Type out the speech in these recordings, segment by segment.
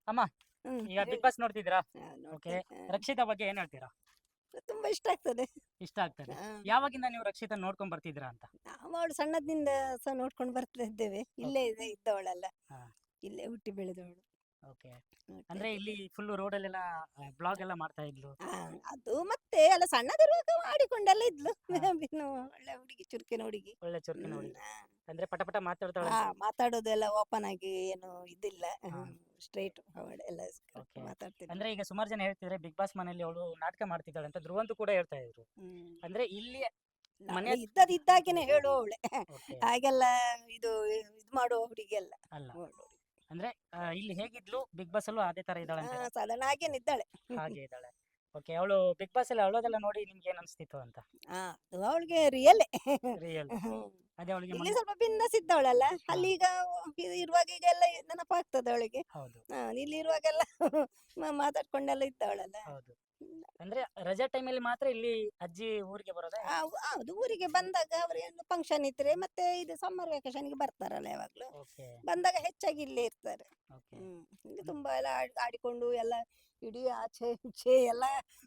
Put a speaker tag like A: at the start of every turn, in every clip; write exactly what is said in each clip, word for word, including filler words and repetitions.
A: ಅಮ್ಮ,
B: ಹ್ಮ್
A: ಈಗ ಬಿಗ್
B: ಹೇಳಿ.
A: ಬಾಸ್ ನೋಡ್ತಿದ್ದೀರಾ?
B: ಹಾ,
A: ಓಕೆ.
B: ನೋಡ್ತೇನೆ. ಹಾ.
A: ರಕ್ಷಿತಾ ಬಗ್ಗೆ ಏನ್ ಹೇಳ್ತೀರಾ?
B: ತುಂಬಾ ಇಷ್ಟ ಆಗ್ತದೆ.
A: ಇಷ್ಟ ಆಗ್ತದೆ.
B: ಹಾ.
A: ಯಾವಾಗಿಂದ ನೀವು ರಕ್ಷಿತಾ ನೋಡ್ಕೊಂಡ್ ಬರ್ತಿದ್ದೀರಾ ಅಂತ?
B: ನಾವು ಅವಳು ಸಣ್ಣದಿಂದ ಸಹ ನೋಡ್ಕೊಂಡು ಬರ್ತಾ ಇದ್ದೇವೆ. ಇಲ್ಲೇ
A: ಓಕೆ.
B: ಇದೆ ಇದ್ದವಳಲ್ಲ.
A: ಹಾ.
B: ಇಲ್ಲೇ ಹುಟ್ಟಿ ಬೆಳೆದವಳು.
A: ಓಕೆ.
B: ನೋಡ್ತಾ
A: ಅಂದ್ರೆ
B: ಇದ್ದೇವೆ.
A: ಇಲ್ಲಿ ಫುಲ್ ರೋಡಲ್ಲೆಲ್ಲ ಬ್ಲಾಗ್ ಎಲ್ಲ ಮಾಡ್ತಾ ಇದ್ಲು.
B: ಆ, ಅದು ಮತ್ತೆ ಅಲ್ಲ ಸಣ್ಣದಿರುವಾಗ ಆಡಿಕೊಂಡೆಲ್ಲ ಇದ್ಲು.
A: ಹಾ.
B: ಇನ್ನು ಒಳ್ಳೆ ಹುಡುಗಿ, ಚುರುಕಿನ ಹುಡುಗಿ.
A: ಒಳ್ಳೆ ಚುರುಕಿನ
B: ಹ್ಮ್.
A: ಹುಡುಗಿ.
B: ಆ.
A: ಅಂದ್ರೆ ಪಟ ಪಟ
B: ಆ,
A: ಮಾತಾಡ್ತಾಳಂತೆ.
B: ಮಾತಾಡೋದೆಲ್ಲ ಓಪನ್ ಆಗಿ ಏನು ಇದಿಲ್ಲ.
A: ಹಾ.
B: ಸ್ಟ್ರೈಟ್ ಎಲ್ಲ ಕರೆಕ್ಟ್
A: ಓಕೆ.
B: ಮಾತಾಡ್ತಿದ್ಲು.
A: ಅಂದ್ರೆ ಈಗ ಸುಮಾರು ಜನ ಹೇಳ್ತಿದ್ರೆ ಬಿಗ್ ಬಾಸ್ ಮನೆಯಲ್ಲಿ ಅವಳು ನಾಟಕ ಮಾಡ್ತಿದ್ದಾಳೆ ಅಂತ ಧ್ರುವಂತು ಕೂಡ ಹೇಳ್ತಾ ಇದ್ರು.
B: ಹ್ಮ್.
A: ಅಂದ್ರೆ ಇಲ್ಲಿ ಮನೆ
B: ಅವಳು ಇದ್ದದ್ ಇದ್ದಾಗೇನೆ ಹೇಳುವವಳೆ.
A: ಓಕೆ.
B: ಹಾಗೆಲ್ಲ ಇದು ಇದು ಮಾಡುವ ಹುಡುಗಿ ಅಲ್ಲ.
A: ಅಲ್ಲ.
B: ಒಳ್ಳೆ ಹುಡುಗಿ.
A: ಅಂದ್ರೆ ಆ, ಇಲ್ಲಿ ಹೇಗಿದ್ಲು ಬಿಗ್ ಬಾಸ್ ಅಲ್ಲೂ ಅದೇ ತರ ಇದ್ದಾಳೆ
B: ಆ,
A: ಅಂತೀರಾ?
B: ಸಾಧಾರಣ ಹಾಗೇನೆ ಇದ್ದಾಳೆ.
A: ಹಾಗೆ ಇದ್ದಾಳೆ. ಓಕೆ. ಅವಳು ಬಿಗ್ ಬಾಸ್ ಅಲ್ಲಿ ಅಳೋದೆಲ್ಲ ನೋಡಿ ನಿಮ್ಗೆ ಏನ್ ಅನ್ಸ್ತಿತ್ತು ಅಂತ?
B: ಆ, ಅದು ಅವಳಿಗೆ ರಿಯಲೇ.
A: ರಿಯಲ್. ಅದೇ ಅವಳಿಗೆ
B: ಇಲ್ಲಿ
A: ಮೊನ್ನೆ.
B: ಸ್ವಲ್ಪ ಬಿಂದಾಸ್ ಇದ್ದವಳಲ್ಲ.
A: ಹಾ.
B: ಅಲ್ಲಿ ಈಗ ಇದು ಇರುವಾಗ ಈಗ ಎಲ್ಲ ನೆನಪಾಗ್ತದೆ ಅವಳಿಗೆ.
A: ಹೌದು.
B: ಹಾ, ಇಲ್ಲಿ ಇರುವಾಗೆಲ್ಲ ಮಾ- ಮಾತಾಡ್ಕೊಂಡೆಲ್ಲ ಇದ್ದವಳಲ್ಲ.
A: ಹೌದು. ಅಂದ್ರೆ ರಜಾ ಟೈಮಲ್ಲಿ ಮಾತ್ರ ಇಲ್ಲಿ ಅಜ್ಜಿ ಊರಿಗೆ ಬರೋದಾ
B: ಆ,
A: ಹೇಗೆ?
B: ಹೌದು, ಊರಿಗೆ ಬಂದಾಗ ಅವ್ರ ಏನು ಫಂಕ್ಷನ್ ಇದ್ರೆ ಮತ್ತೆ ಇದು ಸಮ್ಮರ್ ವೆಕೇಶನ್ಗೆ ಬರ್ತಾರಲ್ಲ ಯಾವಾಗ್ಲೂ.
A: ಓಕೆ.
B: ಬಂದಾಗ ಹೆಚ್ಚಾಗಿ ಇಲ್ಲೇ ಇರ್ತಾರೆ.
A: ಓಕೆ.
B: ಹ್ಮ್. ಇಲ್ಲಿ ತುಂಬಾ ಎಲ್ಲ ಆಡ್- ಆಡಿಕೊಂಡು ಎಲ್ಲ ಇಡೀ ಆಚೆ ಈಚೆ ಎಲ್ಲ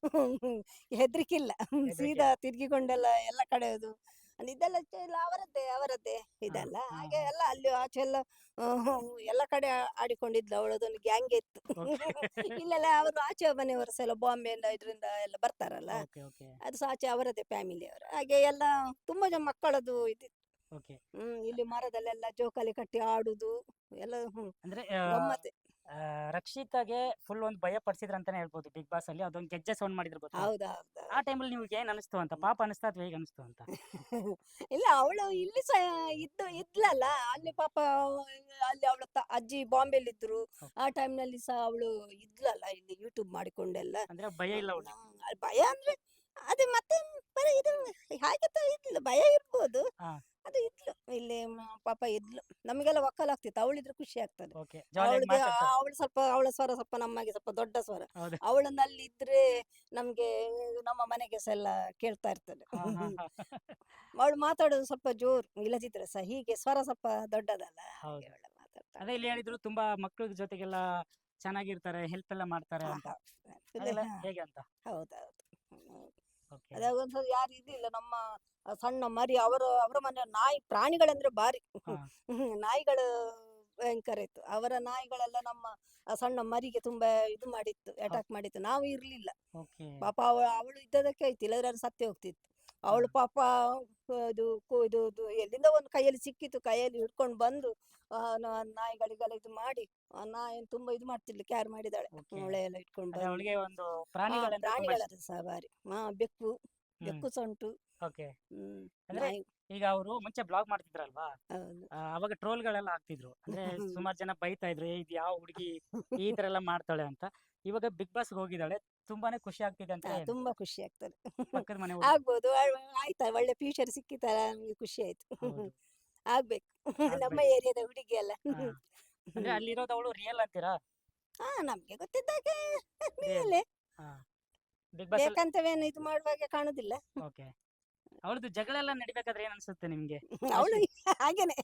B: ಹೆದ್ರಿಕಿಲ್ಲ.
A: ಹೆದ್ರಿಕೆ
B: ಸೀದಾ
A: ಇಲ್ಲ.
B: ತಿರ್ಗಿಕೊಂಡೆಲ್ಲ ಎಲ್ಲ ಕಡೆಯೋದು. ಅಲ್ಲಿ ಇದೆಲ್ಲ ಚೆ- ಎಲ್ಲ ಅವರದ್ದೇ ಅವರದ್ದೇ
A: ಹಾ.
B: ಇದೆಲ್ಲ
A: ಹಾ.
B: ಹಾಗೆ
A: ಹಾ.
B: ಎಲ್ಲ ಅಲ್ಲಿ ಆಚೆ ಎಲ್ಲ ಹ್ಮ್, ಎಲ್ಲ ಕಡೆ ಆ- ಆಡಿಕೊಂಡಿದ್ಲು. ಅವಳದೊಂದು ಗ್ಯಾಂಗ್ ಇತ್ತು.
A: ಓಕೆ.
B: ಇಲ್ಲೆಲ್ಲ ಅವರು ಆಚೆ ಮನೆಯವರು ಸಹ ಎಲ್ಲ ಬಾಂಬೆಯಿಂದ ಇದರಿಂದ ಎಲ್ಲ ಬರ್ತಾರಲ್ಲ.
A: ಓಕೆ. ಓಕೆ.
B: ಅದು ಸಹ ಆಚೆ ಅವರದ್ದೇ ಫ್ಯಾಮಿಲಿ ಅವರು. ಹಾಗೆ ಎಲ್ಲ ತುಂಬಾ ಜನ ಮಕ್ಕಳದು ಇದಿತ್ತು.
A: ಓಕೆ.
B: ಹ್ಮ್. ಇಲ್ಲಿ ಮರದಲ್ಲೆಲ್ಲ ಜೋಕಾಲಿ ಕಟ್ಟಿ ಆಡುದು ಎಲ್ಲ. ಹ್ಮ್.
A: ಅಂದ್ರೆ
B: ಗಮ್ಮತ್ತೆ.
A: ಆ, ರಕ್ಷಿತಾಗೆ ಫುಲ್ ಒಂದು ಭಯ ಪಡಿಸಿದ್ರ ಅಂತಾನೆ ಹೇಳ್ಬೋದು ಬಿಗ್ ಬಾಸ್ ಅಲ್ಲಿ. ಅದೊಂದು ಗೆಜ್ಜೆ ಸೌಂಡ್ ಮಾಡಿದ್ರು ಗೊತ್ತಾ?
B: ಹೌದೌದು.
A: ಆ ಟೈಮಲ್ಲಿ ನಿಮ್ಗೆ ಏನ್ ಅನಿಸ್ತು ಅಂತ? ಪಾಪ ಅನಿಸ್ತಾ ಅಥವಾ ಹೇಗೆ ಅನಿಸ್ತು ಅಂತ?
B: ಇಲ್ಲ, ಅವಳು ಇಲ್ಲಿ ಸಹ ಇದ್ದು ಇದ್ಲಲ್ಲ. ಅಲ್ಲಿ ಪಾಪ ಅಲ್ಲಿ ಅವಳ ಅಜ್ಜಿ ಬಾಂಬೆಲಿ ಇದ್ರು.
A: ಓಕೆ.
B: ಆ time ನಲ್ಲಿ ಸಹ ಅವಳು ಇದ್ಲಲ್ಲ ಇಲ್ಲಿ ಯೂಟ್ಯೂಬ್ ಮಾಡಿಕೊಂಡೆಲ್ಲ.
A: ಅಂದ್ರೆ ಭಯ ಇಲ್ಲ
B: ನ-
A: ಅವಳಿಗೆ.
B: ನ- ಅಲ್ಲಿ ಭಯ ಅಂದ್ರೆ ಅದು ಮತ್ತೆ ಬರೀ ಇದು ಹಾಗೆ ತ ಇದ್ಲು. ಭಯ ಇರ್ಬೋದು.
A: ಹಾ.
B: ಅದು ಇದ್ಲು ಇಲ್ಲಿ ಮ- ಪಾಪ ಇದ್ಲು. ನಮಗೆಲ್ಲ ಒಕ್ಕಲಾಗ್ತಿತ್ತು. ಅವಳಿದ್ರೆ ಖುಷಿ ಆಗ್ತದೆ.
A: ಓಕೆ. ಜಾಲಿಯಾಗಿ
B: ಅವಳದು
A: ಮಾತಾಡ್ತಾಳೆ.
B: ಅವಳು ಸ್ವಲ್ಪ ಅವಳ ಸ್ವರ ಸ್ವಲ್ಪ ನಮಗೆ ಸ್ವಲ್ಪ ದೊಡ್ಡ ಸ್ವರ.
A: ಹೌದು.
B: ಅವಳನ್ನ ಅಲ್ಲಿ ಇದ್ರೆ ನಮ್ಗೆ ನಮ್ಮ ಮನೆಗೆ ಸಹ ಎಲ್ಲ ಕೇಳ್ತಾ ಇರ್ತದೆ.
A: ಹಾ. ಹಾ. ಹಾ.
B: ಅವಳು ಮಾತಾಡೋದು ಸ್ವಲ್ಪ ಜೋರು. ಇಲ್ಲದಿದ್ರೆ ಸಹ ಹೀಗೆ ಸ್ವರ ಸ್ವಲ್ಪ ದೊಡ್ಡದಲ್ಲ. ಹಾಗೆ
A: ಹೌದು.
B: ಅವಳು ಮಾತಾಡ್ತಾಳೆ.
A: ಅದೇ ಇಲ್ಲಿ ಹೇಳಿದ್ರು ತುಂಬಾ ಮಕ್ಳ ಜೊತೆಗೆಲ್ಲ ಚೆನ್ನಾಗಿರ್ತಾರೆ, ಹೆಲ್ಪ್ ಎಲ್ಲ ಮಾಡ್ತಾರೆ
B: ಹಾ,
A: ಅಂತ.
B: ಹೌದು. full
A: ಅದೆಲ್ಲ
B: ಹಾ,
A: ಹೇಗೆ ಅಂತ?
B: ಹೌದೌದು. ಹ್ಮ್.
A: ಓಕೆ.
B: ಅದೇ ಒಂದ್ಸಲ ಯಾರು ಇರ್ಲಿಲ್ಲ ನಮ್ಮ ಆ ಸಣ್ಣ ಮರಿ ಅವರು ಅವರ ಮನೆ ನಾಯಿ ಪ್ರಾಣಿಗಳಂದ್ರೆ ಭಾರಿ.
A: ಹಾ.
B: ಹ್ಮ್. ನಾಯಿಗಳು ಭಯಂಕರ ಇತ್ತು. ಅವರ ನಾಯಿಗಳೆಲ್ಲ ನಮ್ಮ ಆ ಸಣ್ಣ ಮರಿಗೆ ತುಂಬಾ ಇದು ಮಾಡಿತ್ತು, ಅಟ್ಯಾಕ್ ಮಾಡಿತ್ತು. ನಾವು ಇರ್ಲಿಲ್ಲ.
A: ಓಕೆ.
B: ಪಾಪ ಅವ ಅವಳು ಇದ್ದದಕ್ಕೆ ಆಯ್ತು, ಇಲ್ಲದ್ರೆ ಅದು ಸತ್ತೇ ಹೋಗ್ತಿತ್ತು.
A: ಹಾ.
B: ಅವಳು ಪಾಪ ಇದು ಕು- ಇದು ಇದು ಎಲ್ಲಿಂದ ಒಂದು ಕೈಯಲ್ಲಿ ಸಿಕ್ಕಿತ್ತು, ಕೈಯಲ್ಲಿ ಹಿಡ್ಕೊಂಡು ಬಂದು ಆ ನ- ನಾಯಿಗಳಿಗೆಲ್ಲ ಇದು ಮಾಡಿ ಆ ನಾಯಿಯನ್ನು ತುಂಬಾ ಇದು ಮಾಡ್ತಿದ್ಲು, ಕೇರ್ ಮಾಡಿದಾಳೆ.
A: ಓಕೆ.
B: ಮೊಳೆ ಎಲ್ಲ ಇಟ್ಕೊಂಡು
A: ಅದೇ
B: ಬಂದು.
A: ಅವಳಿಗೆ ಒಂದು
B: ಹಾ,
A: ಪ್ರಾಣಿಗಳಂದ್ರೆ ತುಂಬಾ ಇಷ್ಟ.
B: ಪ್ರಾಣಿಗಳದ್ದು ಸಹ ಭಾರಿ. ಹಾ, ಬೆಕ್ಕು
A: ಹ್ಮ್.
B: ಬೆಕ್ಕು ಸಹ ಉಂಟು.
A: ಓಕೆ.
B: ಹ್ಮ್.
A: ಅಂದ್ರೆ
B: ನಾಯಿ.
A: ಈಗ ಅವರು ಮುಂಚೆ ಬ್ಲಾಗ್ ಮಾಡ್ತಿದ್ರಲ್ವಾ?
B: ಹೌದು.
A: ಆ, ಅವಾಗ ಟ್ರೋಲ್ಗಳೆಲ್ಲ ಆಗ್ತಿದ್ರು. ಅಂದ್ರೆ ಸುಮಾರು ಜನ ಬೈತಾ ಇದ್ರು, "ಏ, ಇದು ಯಾವ ಹುಡುಗಿ ಈ ತರ ಎಲ್ಲ ಮಾಡ್ತಾಳೆ" ಅಂತ. ಇವಾಗ ಬಿಗ್ ಬಾಸ್ ಹೋಗಿದ್ದಾಳೆ, ತುಂಬಾನೇ ಖುಷಿ ಆಗ್ತಿದೆ
B: ಆ,
A: ಅಂತ ಹೇಳ್ತಾರೆ.
B: ತುಂಬಾ ಖುಷಿ ಆಗ್ತದೆ.
A: ಪಕ್ಕದ ಮನೆ ಹುಡುಗ.
B: ಆಗ್ಬೋದು. ಆ- ಆಯ್ತಾ ಒಳ್ಳೆ ಫ್ಯೂಚರ್ ಸಿಕ್ಕಿತಲ್ಲ, ನಮ್ಗೆ ಖುಷಿ ಆಯ್ತು.
A: ಹೌದು.
B: ಆಗ್ಬೇಕು. ನಮ್ಮ
A: ಆಗ್ಬೇಕು.
B: ಏರಿಯಾದ ಹುಡುಗಿ ಅಲ್ಲ.
A: ಹಾ. ಅಂದ್ರೆ ಅಲ್ಲಿರೋದು ಅವಳು ರಿಯಲ್ ಅಂತೀರಾ?
B: ಹಾ, ನಮ್ಗೆ ಗೊತ್ತಿದ್ದಾಗೆ
A: ರಿಯಲ್.
B: ಮೇಲೆ
A: ಹಾ. ಬಿಗ್ ಬಾಸ್ ಅಲ್ಲಿ.
B: ಬೇಕಂತವೇನು ಇದು ಮಾಡುವಾಗ ಕಾಣುದಿಲ್ಲ.
A: ಓಕೆ. ಅವಳದು ಜಗಳ ಎಲ್ಲ ನಡಿಬೇಕಾದ್ರೆ ಏನ್ ಅನ್ಸುತ್ತೆ ನಿಮ್ಗೆ?
B: ಅವಳು
A: ಲಾಸ್ಟ್.
B: ಹಾಗೇನೆ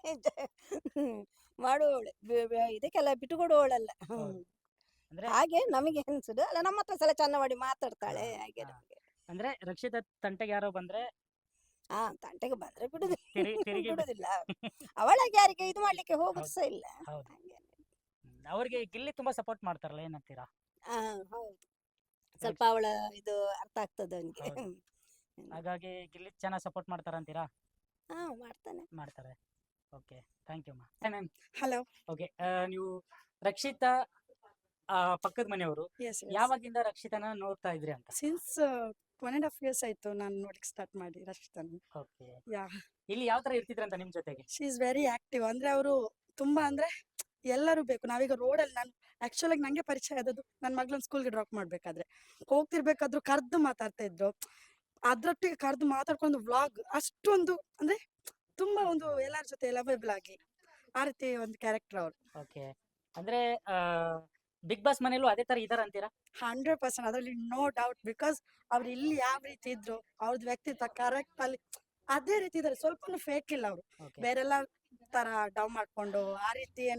B: ಮಾಡುವವಳೆ. ಬೆ- ಬೆ- ಇದಕ್ಕೆಲ್ಲ ಬಿಟ್ಟುಕೊಡುವವಳಲ್ಲ. ಹ್ಮ್.
A: ಹೌದು. ಅಂದ್ರೆ
B: ಹಾಗೆ ನಮಗೆ ಅನ್ಸುದು ಅಲ್ಲ, ನಮ್ಮ ಹತ್ರ ಸಲ ಚಂದ ಮಾಡಿ
A: ಹಾ.
B: ಮಾತಾಡ್ತಾಳೆ ಹಾಗೆ
A: ಹಾ.
B: ನಮ್ಗೆ.
A: ಅಂದ್ರೆ ರಕ್ಷಿತಾ ತಂಟೆಗೆ ಯಾರೋ ಬಂದ್ರೆ
B: ಹಾ, ತಂಟೆಗೆ ಬಂದ್ರೆ ಬಿಡುದು
A: ತಿರುಗಿ ತಿರುಗಿ ಬಿ-
B: ಬಿಡುದಿಲ್ಲ. ಅವಳಾಗೆ ಯಾರಿಗೆ ಇದು ಮಾಡ್ಲಿಕ್ಕೆ ಹೋಗುದು
A: ಹೌದು.
B: ಸಹ ಇಲ್ಲ.
A: ಹೌದು.
B: ಹಾಗೆ.
A: ಹ್ಮ್. ಅವ್ರಿಗೆ ಗಿಲ್ಲಿ ತುಂಬಾ ಸಪೋರ್ಟ್ ಮಾಡ್ತಾರಲ್ಲ, ಏನಂತೀರಾ?
B: ಹಾ, ಹೌದು. ಸ್ವಲ್ಪ ಅವಳ ಇದು ಅರ್ಥ ಆಗ್ತದೆ ಅವನಿಗೆ.
A: ಹೌದು. ಹಾಗಾಗಿ ಗಿಲ್ಲಿ ಚೆನ್ನಾಗಿ ಸಪೋರ್ಟ್ ಮಾಡ್ತಾರಂತೀರಾ?
B: ಹಾ, ಮಾಡ್ತಾನೆ.
A: ಮಾಡ್ತಾರೆ. ಓಕೆ. ಥ್ಯಾಂಕ್ ಯು ಮಾ.
C: ಹಲೋ.
A: ಓಕೆ. ನೀವು ರಕ್ಷಿತಾ ಆ, ಪಕ್ಕದ ಮನೆಯವರು,
C: ಎಸ್ ಎಸ್
A: ಯಾವಾಗಿಂದ ರಕ್ಷಿತನ ನೋಡ್ತಾ ಇದ್ರಿ ಅಂತ?
C: Since one and half years ಆಯ್ತು ನಾನು ನೋಡ್ಲಿಕ್ಕೆ ಸ್ಟಾರ್ಟ್ ಮಾಡಿ ರಕ್ಷಿತನ್.
A: ಓಕೆ.
C: ಯಾ,
A: ಇಲ್ಲಿ ಯಾವ ತರ ಇರ್ತಿದ್ರಂತ ನಿಮ್ ಜೊತೆಗೆ?
C: She is very active. ಅಂದ್ರೆ ಅವರು ತುಂಬಾ ಅಂದ್ರೆ ಎಲ್ಲರೂ ಬೇಕು. ನಾವೀಗ ರೋಡಲ್ಲಿ ನಾನು ಆಕ್ಚುಲ್ ಆಗಿ ನಂಗೆ ಪರಿಚಯ ಆದದ್ದು ನನ್ನ ಮಗಳನ್ನ ಸ್ಕೂಲ್ಗೆ ಡ್ರಾಪ್ ಮಾಡ್ಬೇಕಾದ್ರೆ ಹೋಗ್ತಿರ್ಬೇಕಾದ್ರೂ ಕರ್ದು ಮಾತಾಡ್ತಾ ಇದ್ರು. ಅದ್ರೊಟ್ಟಿಗೆ ಕರ್ದು ಮಾತಾಡ್ಕೊಂಡು ವ್ಲಾಗ್ ಅಷ್ಟೊಂದು ಅಂದ್ರೆ ತುಂಬಾ ಒಂದು ಎಲ್ಲರ ಜೊತೆ ಲವೇಬಲ್ ಆಗಿ ಆ ರೀತಿ ಒಂದು ಕ್ಯಾರೆಕ್ಟರ್ ಅವ್ರು.
A: ಓಕೆ. ಅಂದ್ರೆ ಬಿಗ್ ಬಾಸ್ ಮನೇಲೂ ಅದೇ ತರ ಇದಾರ ಅಂತೀರಾ?
C: ಹಂಡ್ರೆಡ್ ಪರ್ಸೆಂಟ್ ಅದರಲ್ಲಿ ನೋ ಡೌಟ್. ಬಿಕಾಸ್ ಅವ್ರು ಇಲ್ಲಿ ಯಾವ ರೀತಿ ಇದ್ರು, ಅವ್ರದ್ದು ವ್ಯಕ್ತಿತ್ವ ಕರೆಕ್ಟ್ ಅಲ್ಲಿ ಅದೇ ರೀತಿ ಇದಾರೆ. ಸ್ವಲ್ಪ ಫೇಕ್ ಇಲ್ಲ ಅವರು.
A: ಓಕೆ.
C: ಬೇರೆಲ್ಲ ತರ ಡವ್ ಮಾಡ್ಕೊಂಡು ಆ ರೀತಿ ಏನು ಇಲ್ಲ.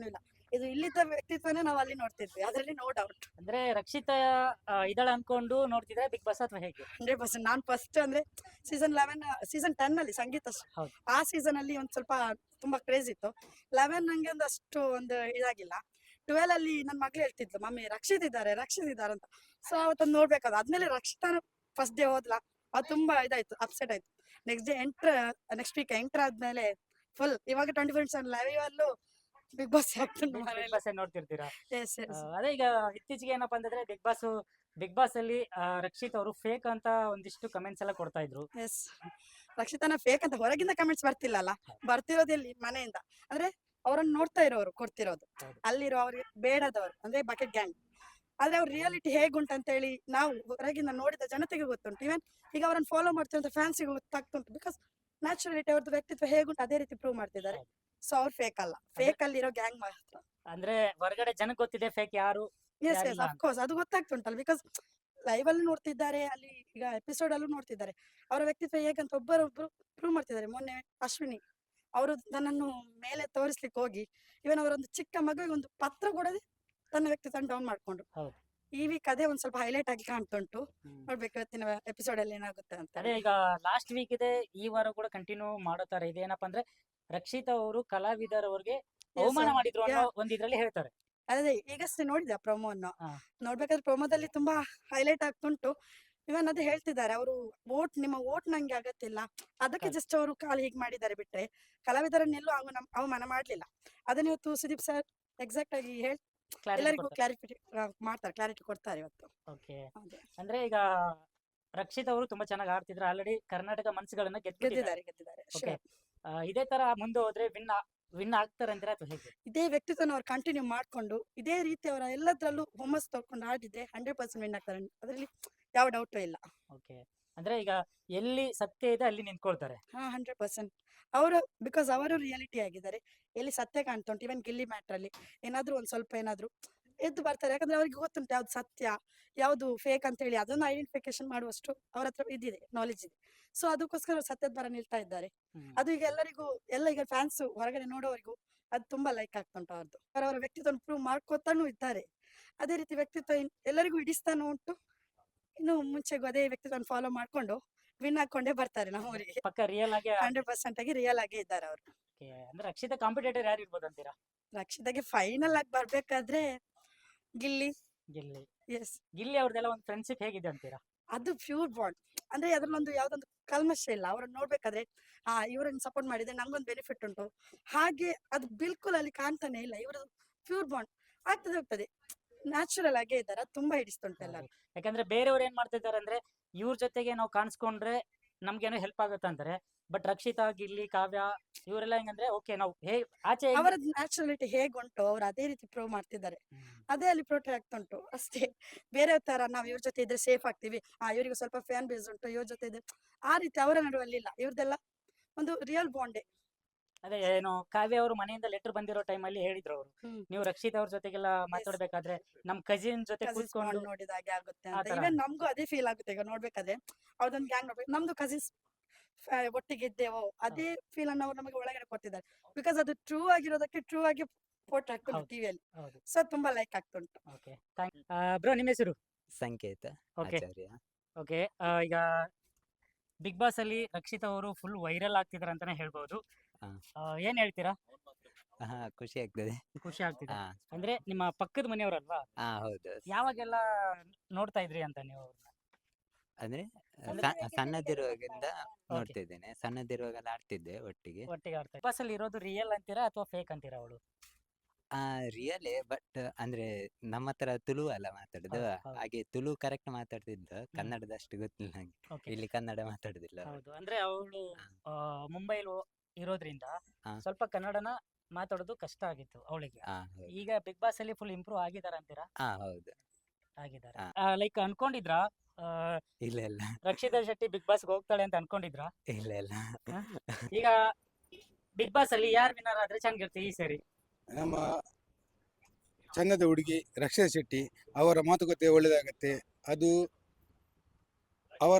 C: ಇದು ಇಲ್ಲಿದ್ದ ವ್ಯಕ್ತಿತ್ವನೇ ನಾವು ಅಲ್ಲಿ ನೋಡ್ತಿದ್ವಿ, ಅದರಲ್ಲಿ ನೋ ಡೌಟ್.
A: ಅಂದ್ರೆ ರಕ್ಷಿತಾ ಇದಳ ಅನ್ಕೊಂಡು ನೋಡ್ತಿದ್ರೆ ಬಿಗ್ ಬಾಸ್ ಅಥವಾ ಹೇಗೆ?
C: ಹಂಡ್ರೆಡ್ ಪರ್ಸೆಂಟ್ ನಾನು ಫಸ್ಟ್ ಅಂದ್ರೆ ಸೀಸನ್ ಲೆವೆನ್ ಸೀಸನ್ ಟೆನ್ ಅಲ್ಲಿ ಸಂಗೀತ sh-
A: ಹೌದು.
C: ಆ ಸೀಸನ್ ಅಲ್ಲಿ ಒಂದ್ ಸ್ವಲ್ಪ ತುಂಬಾ ಕ್ರೇಜ್ ಇತ್ತು. ಲೆವೆನ್ ನಂಗೆ ಒಂದು ಅಷ್ಟು ಒಂದು ಇದಾಗಿಲ್ಲ. ಟ್ವೆಲ್ ಅಲ್ಲಿ ನನ್ನ ಮಗಳು ಹೇಳ್ತಿದ್ಲು, ಮಮ್ಮಿ ರಕ್ಷಿತ್ ಇದ್ದಾರೆ ರಕ್ಷಿತ್ ಇದ್ದಾರೆ ಅಂತ. ಸೊ ಅವತ್ತೊಂದು ನೋಡ್ಬೇಕಾದ ಆದ್ಮೇಲೆ ರಕ್ಷಿತಾನ ಫಸ್ಟ್ ಡೇ ಹೋದ್ಲಾ, ಅದು ತುಂಬಾ ಇದಾಯ್ತು, ಅಪ್ಸೆಟ್ ಆಯ್ತು. Next day entry next week entry ಆದ್ಮೇಲೆ ಫುಲ್ ಇವಾಗ ಟ್ವೆಂಟಿ ಫೋರ್ ಸೆವೆನ್ ಲೈವ್ ಅಲ್ಲೂ ಬಿಗ್ ಬಾಸ್ ಆಗ್ತದೆ
A: ಬಿಗ್
C: ಮನೇಲಿ.
A: ಬಾಸ್ ನೋಡ್ತಿರ್ತೀರಾ?
C: ಎಸ್
A: ಆ,
C: ಎಸ್
A: ಅದೇ ಈಗ ಇತ್ತೀಚೆಗೆ ಏನಪ್ಪಾ ಅಂತಂದ್ರೆ ಬಿಗ್ ಬಾಸ್ ಬಿಗ್ ಬಾಸ್ ಅಲ್ಲಿ ಆ, ರಕ್ಷಿತ್ ಅವರು ಫೇಕ್ ಅಂತ ಒಂದಿಷ್ಟು ಕಮೆಂಟ್ಸ್ ಎಲ್ಲ ಕೊಡ್ತಾ ಇದ್ರು.
C: ಎಸ್ ರಕ್ಷಿತನ ಫೇಕ್ ಅಂತ ಹೊರಗಿಂದ ಕಮೆಂಟ್ಸ್ ಬರ್ತಿಲ್ಲಲ್ಲ, ಬರ್ತಿರೋದು ಎಲ್ಲಿ ಮನೆಯಿಂದ. ಅಂದ್ರೆ ಅವರನ್ನ ನೋಡ್ತಾ ಇರೋರು ಕೊಡ್ತಿರೋದು,
A: ಹೌದು.
C: ಅಲ್ಲಿರೋ ಅವ್ರಿಗೆ ಬೇಡದವರು ಅಂದ್ರೆ ಬಕೆಟ್ ಗ್ಯಾಂಗ್. ಆದ್ರೆ ಅವ್ರ ರಿಯಾಲಿಟಿ ಹೇಗುಂಟು ಅಂತ ಹೇಳಿ ನಾವು ಹೊರಗಿಂದ ನೋಡಿದ ಜನತೆಗೆ ಗೊತ್ತುಂಟು. ಇವನ್ ಈಗ ಅವರನ್ನ ಫಾಲೋ ಮಾಡ್ತಿರೋ ಫ್ಯಾನ್ಸಿಗೆ ಗೊತ್ತಾಗ್ತುಂಟು. ಬಿಕಾಸ್ ನ್ಯಾಚುರಾಲಿಟಿ ಅವ್ರದ್ದು ವ್ಯಕ್ತಿತ್ವ ಹೇಗುಂಟು ಅದೇ ರೀತಿ ಪ್ರೂವ್ ಮಾಡ್ತಿದ್ದಾರೆ. ಸೊ ಅವ್ರು ಫೇಕ್ ಅಲ್ಲ, ಫೇಕ್ ಅಲ್ಲಿರೋ ಗ್ಯಾಂಗ್ ಮಾತ್ರ.
A: ಅಂದ್ರೆ ಹೊರಗಡೆ ಜನಕ್ಕೆ ಗೊತ್ತಿದೆ ಫೇಕ್ ಯಾರು
C: ಎಸ್ ಎಸ್
A: ಯಾರಿಲ್ಲ ಅಂತ.
C: ಅಫ್ಕೋರ್ಸ್ ಅದು ಗೊತ್ತಾಗ್ತುಂಟಲ್ಲ. ಬಿಕಾಸ್ ಲೈವ್ ಅಲ್ಲಿ ನೋಡ್ತಿದ್ದಾರೆ, ಅಲ್ಲಿ ಈಗ ಎಪಿಸೋಡ್ ಅಲ್ಲೂ ನೋಡ್ತಿದ್ದಾರೆ. ಅವರ ವ್ಯಕ್ತಿತ್ವ ಹೇಗಂತ ಒಬ್ಬರೊಬ್ರು ಪ್ರೂವ್ ಮಾಡ್ತಿದ್ದಾರೆ. ಮೊನ್ನೆ ಅಶ್ವಿನಿ ಅವರು ತನ್ನನ್ನು ಮೇಲೆ ತೋರಿಸ್ಲಿಕ್ಕೆ ಹೋಗಿ ಇವನ್ ಅವರೊಂದು ಚಿಕ್ಕ ಮಗುವಿಗೆ ಒಂದು ಪತ್ರ ಕೊಡದೆ ತನ್ನ ವ್ಯಕ್ತಿತ್ವ ಡೌನ್ ಮಾಡ್ಕೊಂಡ್ರು.
A: ಹೌದು.
C: ಈ ವೀಕ್ ಅದೇ ಒಂದ್ ಸ್ವಲ್ಪ ಹೈಲೈಟ್ ಆಗಿ ಕಾಣ್ತುಂಟು.
A: ಹ್ಮ್.
C: ನೋಡ್ಬೇಕು ಇವತ್ತಿನ ಎಪಿಸೋಡ್ ಅಲ್ಲಿ ಏನಾಗುತ್ತೆ ಅಂತ.
A: ಅದೇ ಈಗ ಲಾಸ್ಟ್ ವೀಕ್ ಇದೆ, ಈ ವಾರ ಕೂಡ ಕಂಟಿನ್ಯೂ ಮಾಡೋ ತರ ಇದೆ. ಏನಪ್ಪಾ ಅಂದ್ರೆ ರಕ್ಷಿತಾ ಅವರು ಕಲಾವಿದರವ್ರಿಗೆ ಅವಮಾನ
C: sir.
A: ಮಾಡಿದ್ರು ಅನ್ನೋ
C: Yeah.
A: ಒಂದ್ ಇದ್ರಲ್ಲಿ ಹೇಳ್ತಾರೆ.
C: ಅದೇ ಈಗಷ್ಟೇ ನೋಡಿದೆ ಪ್ರೊಮೋವನ್ನು.
A: ಹಾ.
C: ನೋಡ್ಬೇಕಾದ್ರೆ ಪ್ರೊಮೋದಲ್ಲಿ ತುಂಬಾ ಹೈಲೈಟ್ ಆಗ್ತುಂಟು. ಇವನ್ ಅದೇ ಹೇಳ್ತಿದ್ದಾರೆ, ಅವರು ವೋಟ್ ನಿಮ್ಮ ವೋಟ್ ನಂಗೆ ಅಗತ್ಯಿಲ್ಲ, ಅದಕ್ಕೆ
A: ಹೌದು.
C: ಜಸ್ಟ್ ಅವರು ಕಾಲ್ ಹೀಗೆ ಮಾಡಿದ್ದಾರೆ ಬಿಟ್ರೆ ಕಲಾವಿದರನ್ನೆಲ್ಲೂ ಅವನ ಅವಮಾನ ಮಾಡ್ಲಿಲ್ಲ. ಅದನ್ನ ಇವತ್ತು ಸುದೀಪ್ ಸರ್ ಎಕ್ಸಾಕ್ಟ್ ಆಗಿ ಹೇಳ್ ಎಲ್ಲರಿಗೂ ಕ್ಲಾರಿಫಿಟಿ ಮಾಡ್ತಾರೆ, ಕ್ಲಾರಿಟಿ ಕೊಡ್ತಾರೆ ಇವತ್ತು.
A: ಓಕೆ.
C: ಅದೇ.
A: ಅಂದ್ರೆ ಈಗ ರಕ್ಷಿತ್ ಅವರು ತುಂಬಾ ಚೆನ್ನಾಗಿ ಆಡ್ತಿದ್ರು, ಆಲ್ರೆಡಿ ಕರ್ನಾಟಕ ಮನ್ಸುಗಳನ್ನ ಗೆದ್ದಿದ್ದಾರೆ.
C: ಗೆದ್ದಿದ್ದಾರೆ ಗೆದ್ದಿದ್ದಾರೆ
A: ಓಕೆ.
C: sure.
A: ಇದೇ ತರ ಮುಂದೆ ಹೋದ್ರೆ ವಿನ್ ವಿನ್ ಆಗ್ತಾರೆ ಅಂತೀರಾ ಅಥವಾ ಹೇಗೆ?
C: ಇದೇ ವ್ಯಕ್ತಿತ್ವನ ಅವ್ರು ಕಂಟಿನ್ಯೂ ಮಾಡ್ಕೊಂಡು ಇದೇ ರೀತಿ ಅವರ ಎಲ್ಲದ್ರಲ್ಲೂ ಹುಮ್ಮಸ್ ತಗೊಂಡು ಆಡಿದ್ರೆ ಹಂಡ್ರೆಡ್ ಪರ್ಸೆಂಟ್ ವಿನ್ ಆಗ್ತಾರೆ, ಅದರಲ್ಲಿ ಯಾವ ಡೌಟು ಇಲ್ಲ.
A: ಓಕೆ. ಅಂದ್ರೆ ಈಗ ಎಲ್ಲಿ ಸತ್ಯ ಇದೆ ಅಲ್ಲಿ ನಿಂತ್ಕೊಳ್ತಾರೆ.
C: ಹಾ ಹಂಡ್ರೆಡ್ ಪರ್ಸೆಂಟ್ ಅವರು, ಬಿಕಾಸ್ ಅವರು ರಿಯಾಲಿಟಿ ಆಗಿದ್ದಾರೆ. ಎಲ್ಲಿ ಸತ್ಯ ಕಾಣ್ತುಂಟು, ಇವನ್ ಗಿಲ್ಲಿ ಮ್ಯಾಟ್ರ್ ಅಲ್ಲಿ ಏನಾದ್ರೂ ಒಂದ್ ಸ್ವಲ್ಪ ಏನಾದ್ರು ಎದ್ದು ಬರ್ತಾರೆ. ಯಾಕಂದ್ರೆ ಅವ್ರಿಗೆ ಗೊತ್ತುಂಟು ಯಾವ್ದು ಸತ್ಯ ಯಾವ್ದು ಫೇಕ್ ಅಂತ ಹೇಳಿ, ಅದನ್ನ ಐಡೆಂಟಿಫಿಕೇಶನ್ ಮಾಡುವಷ್ಟು ಅವ್ರ ಹತ್ರ ಇದಿದೆ, ನಾಲೆಜ್ ಇದೆ. ಸೊ ಅದಕ್ಕೋಸ್ಕರ ಅವ್ರು ಸತ್ಯದ ಬರ ನಿಲ್ತಾ ಇದ್ದಾರೆ.
A: ಹ್ಮ್.
C: ಅದು ಈಗ ಎಲ್ಲರಿಗೂ ಎಲ್ಲ ಈಗ ಫ್ಯಾನ್ಸ್ ಹೊರಗಡೆ ನೋಡೋವರಿಗೂ ಅದು ತುಂಬಾ ಲೈಕ್ ಆಗ್ತುಂಟು ಅವ್ರದ್ದು. ಅವರವರ ವ್ಯಕ್ತಿತ್ವ ಪ್ರೂವ್ ಮಾಡ್ಕೋತಾನು ಇದ್ದಾರೆ. ಅದೇ ರೀತಿ ವ್ಯಕ್ತಿತ್ವ ಇನ್- ಎಲ್ಲರಿಗೂ ಹಿಡಿಸ್ತಾನು ಉಂಟು. ಇನ್ನು ಮುಂಚೆಗೂ ಅದೇ ವ್ಯಕ್ತಿತ್ವ ಫಾಲೋ ಮಾಡ್ಕೊಂಡು ವಿನ್ ಹಾಕೊಂಡೇ ಬರ್ತಾರೆ ನಮ್ಮ ಊರಿಗೆ.
A: ಪಕ್ಕ ರಿಯಲ್ ಆಗಿ
C: ಹಂಡ್ರೆಡ್ ಪರ್ಸೆಂಟ್ ಆಗಿ ರಿಯಲ್ ಆಗಿ ಇದ್ದಾರೆ ಅವರು.
A: Okay. ಅಂದ್ರೆ ರಕ್ಷಿತಾ ಕಾಂಪಿಟೇಟರ್ ಯಾರು ಇರ್ಬೋದು ಅಂತೀರಾ?
C: ರಕ್ಷಿತಾಗೆ ಫೈನಲ್ ಆಗಿ ಬರ್ಬೇಕಾದ್ರೆ ಗಿಲ್ಲಿ.
A: ಗಿಲ್ಲಿ
C: ಎಸ್,
A: ಗಿಲ್ಲಿ ಅವ್ರದ್ದೆಲ್ಲ ಒಂದು ಫ್ರೆಂಡ್ಶಿಪ್ ಹೇಗಿದೆ ಅಂತೀರಾ?
C: ಅದು ಪ್ಯೂರ್ ಬಾಂಡ್. ಅಂದ್ರೆ ಅದ್ರಲ್ಲೊಂದು ಯಾವ್ದೊಂದು ಕಲ್ಮಶ ಇಲ್ಲ. ಅವ್ರನ್ನ ನೋಡ್ಬೇಕಾದ್ರೆ ಆ ಇವ್ರನ್ನ ಸಪೋರ್ಟ್ ಮಾಡಿದ್ರೆ ನಂಗೊಂದು ಬೆನಿಫಿಟ್ ಉಂಟು ಹಾಗೆ ಅದು ಬಿಲ್ಕುಲ್ ಅಲ್ಲಿ ಕಾಣ್ತಾನೆ ಇಲ್ಲ. ಇವರು ಪ್ಯೂರ್ ಬಾಂಡ್ ಆಗ್ತದೆ ಹೋಗ್ತದೆ, ನ್ಯಾಚುರಲ್ ಆಗೇ ಇದ್ದಾರೆ. ಅದು ತುಂಬಾ ಹಿಡಿಸ್ತುಂಟು ಎಲ್ಲರೂ.
A: ಯಾಕಂದ್ರೆ ಬೇರೆಯವ್ರು ಏನ್ ಮಾಡ್ತಾ ಇದ್ದಾರೆ ಅಂದ್ರೆ ಇವ್ರ ಜೊತೆಗೆ ನಾವು ಕಾಣಿಸ್ಕೊಂಡ್ರೆ ನಮ್ಗೇನೋ ಹೆಲ್ಪ್ ಆಗುತ್ತೆ ಅಂತಾರೆ. ಬಟ್ ರಕ್ಷಿತಾ, ಗಿಲ್ಲಿ, ಕಾವ್ಯ ಇವರೆಲ್ಲ ಹೆಂಗಂದ್ರೆ ಓಕೆ ನಾವು ಹೇ ಆಚೆ ಹೆಂಗ್-
C: ಅವರ ನ್ಯಾಚುರಾಲಿಟಿ ಹೇಗುಂಟು ಅವ್ರು ಅದೇ ರೀತಿ ಪ್ರೂವ್ ಮಾಡ್ತಿದ್ದಾರೆ.
A: ಹ್ಮ್.
C: ಅದೇ ಅಲ್ಲಿ ಪ್ರೊಟೆಕ್ಟ್ ಆಗ್ತುಂಟು ಅಷ್ಟೇ. ಬೇರೆ ತರ ನಾವ್ ಇವ್ರ ಜೊತೆ ಇದ್ರೆ ಸೇಫ್ ಆಗ್ತೀವಿ, ಆ ಇವ್ರಿಗೆ ಸ್ವಲ್ಪ ಫ್ಯಾನ್ ಬೇಸ್ ಉಂಟು, ಇವ್ರ ಜೊತೆ ಇದ್ರೆ ಆ ರೀತಿ ಅವರ ನಡುವಲ್ಲಿ ಇಲ್ಲ. ಇವ್ರದೆಲ್ಲ ಒಂದು ರಿಯಲ್ ಬಾಂಡೇ.
A: ಅದೇ ಏನು ಕಾವ್ಯ ಅವರು ಮನೆಯಿಂದ ಲೆಟರ್ ಬಂದಿರೋ ಟೈಮಲ್ಲಿ ಹೇಳಿದ್ರು ಅವರು,
C: ಹ್ಮ್.
A: ನೀವು ರಕ್ಷಿತಾ ಅವ್ರ ಜೊತೆಗೆಲ್ಲ ಮಾತಾಡ್ಬೇಕಾದ್ರೆ ನಮ್ ಕಸಿನ್ ಜೊತೆ
C: ಕಸಿನ್ಸ್
A: ಕೂತ್ಕೊಂಡು
C: ನೋಡಿದ ಹಾಗೆ ಆಗುತ್ತೆ
A: ಆ
C: ಅಂತ.
A: ತರ.
C: ಇವನ್ ನಮ್ಗೂ ಅದೇ ಫೀಲ್ ಆಗುತ್ತೆ ಈಗ ನೋಡ್ಬೇಕಾದ್ರೆ. ಅವ್ರದೊಂದು ಗ್ಯಾಂಗ್ ನೋಡ್ಬೇಕು, ನಮ್ದು ಕಸಿನ್ಸ್ ಒಟ್ಟಿಗೆ ಇದ್ದೇವೋ ಅದೇ ಫೀಲ್ ಅನ್ನು ಅವ್ರು ನಮಗೆ ಒಳಗಡೆ ಕೊಡ್ತಿದ್ದಾರೆ. ಬಿಕಾಸ್ ಅದು ಟ್ರೂ ಆಗಿರೋದಕ್ಕೆ ಟ್ರೂ ಆಗಿ ಫೋಟೋ ಹಾಕ್ತುಂಟು
A: ಹೌದು.
C: ಟಿವಿಯಲ್ಲಿ.
A: ಹೌದು.
C: ಸೊ ತುಂಬಾ ಲೈಕ್ ಆಗ್ತುಂಟು.
A: ಓಕೆ. ಬ್ರೋ ನಿಮ್ಮ ಹೆಸರು?
D: ಸಂಕೇತ
A: ಓಕೆ.
D: ಆಚಾರ್ಯ.
A: ಓಕೆ. ಈಗ ಬಿಗ್ ಬಾಸ್ ಅಲ್ಲಿ ರಕ್ಷಿತಾ ಅವರು ಫುಲ್ ವೈರಲ್ ಆಗ್ತಿದಾರೆ ಅಂತಾನೆ ಹೇಳ್ಬೋದು.
D: ಹಾ.
A: ಆ, ಏನ್ ಹೇಳ್ತೀರಾ?
D: ಹಾ ಖುಷಿ ಆಗ್ತದೆ.
A: ಖುಷಿ ಆಗ್ತಿದೆ.
D: ಹಾ
A: ಅಂದ್ರೆ ನಿಮ್ಮ ಪಕ್ಕದ ಮನೆಯವರಲ್ವಾ?
D: ಹಾ ಹೌದು.
A: ಯಾವಾಗೆಲ್ಲ ನೋಡ್ತಾ ಇದ್ರಿ ಅಂತ ನೀವು ಅವ್ರನ್ನ?
D: ಅಂದ್ರೆ
A: ಅಂದ್ರೆ-
D: ಸ- ಸಣ್ಣದಿರುವಾಗಿಂದ ನೋಡ್ತಿದ್ದೇನೆ. ಸಣ್ಣದಿರುವಾಗೆಲ್ಲ ಆಡ್ತಿದ್ದೆ ಒಟ್ಟಿಗೆ.
A: ಒಟ್ಟಿಗೆ ಆಡ್ತಾ ಬಿಗ್ ಬಾಸ್ ಅಲ್ಲಿ ಇರೋದು ರಿಯಲ್ ಅಂತೀರಾ ಅಥವಾ ಫೇಕ್ ಅಂತೀರಾ ಅವಳು?
D: ಆ ರಿಯಲೇ, ಬಟ್ ಅಂದ್ರೆ ನಮ್ಮ ಹತ್ರ ತುಳು ಅಲ್ಲ ಮಾತಾಡುದು,
A: ಹೌದು, ಹೌದು.
D: ಹಾಗೆ ತುಳು ಕರೆಕ್ಟ್ ಮಾತಾಡ್ತಿದ್ದ, ಕನ್ನಡದ ಅಷ್ಟು ಗೊತ್ತಿಲ್ಲ ನಂಗೆ.
A: ಓಕೆ.
D: ಇಲ್ಲಿ ಕನ್ನಡ ಮಾತಾಡುದಿಲ್ಲ ಅವ್ರು.
A: ಹೌದು. ಅಂದ್ರೆ ಅವಳು
D: ಹಾ.
A: ಮುಂಬೈಲಿ ಇರೋದ್ರಿಂದ
D: ಹಾ.
A: ಸ್ವಲ್ಪ ಕನ್ನಡನ ಮಾತಾಡೋದು ಕಷ್ಟ ಆಗಿತ್ತು ಅವಳಿಗೆ.
D: ಹಾ ಹೌದು.
A: ಈಗ ಬಿಗ್ ಬಾಸ್ ಅಲ್ಲಿ ಫುಲ್ ಇಂಪ್ರೂವ್ ಆಗಿದಾರ ಅಂತೀರಾ?
D: ಹಾ ಹೌದು.
A: ಆಗಿದ್ದಾರೆ.
D: ಹಾ.
A: ಲೈಕ್ ಅನ್ಕೊಂಡಿದ್ರಾ ಆ,
D: ಇಲ್ಲ ಇಲ್ಲ
A: ರಕ್ಷಿತಾ ಶೆಟ್ಟಿ ಬಿಗ್ ಬಾಸ್ ಹೋಗ್ತಾಳೆ ಅಂತ ಅನ್ಕೊಂಡಿದ್ರಾ?
D: ಇಲ್ಲ ಇಲ್ಲ.
A: ಈಗ ಬಿಗ್ ಬಾಸ್ ಅಲ್ಲಿ ಯಾರು ವಿನ್ನರ್ ಆದ್ರೆ ಚೆನ್ನಾಗಿರುತ್ತೆ ಈ ಸರಿ?
E: ನಮ್ಮ ಚಂದದ ಹುಡುಗಿ ರಕ್ಷಿತಾ ಶೆಟ್ಟಿ ಅವರ ಮಾತುಕತೆ ಒಳ್ಳೆದಾಗತ್ತೆ. ಅದು ಅವರ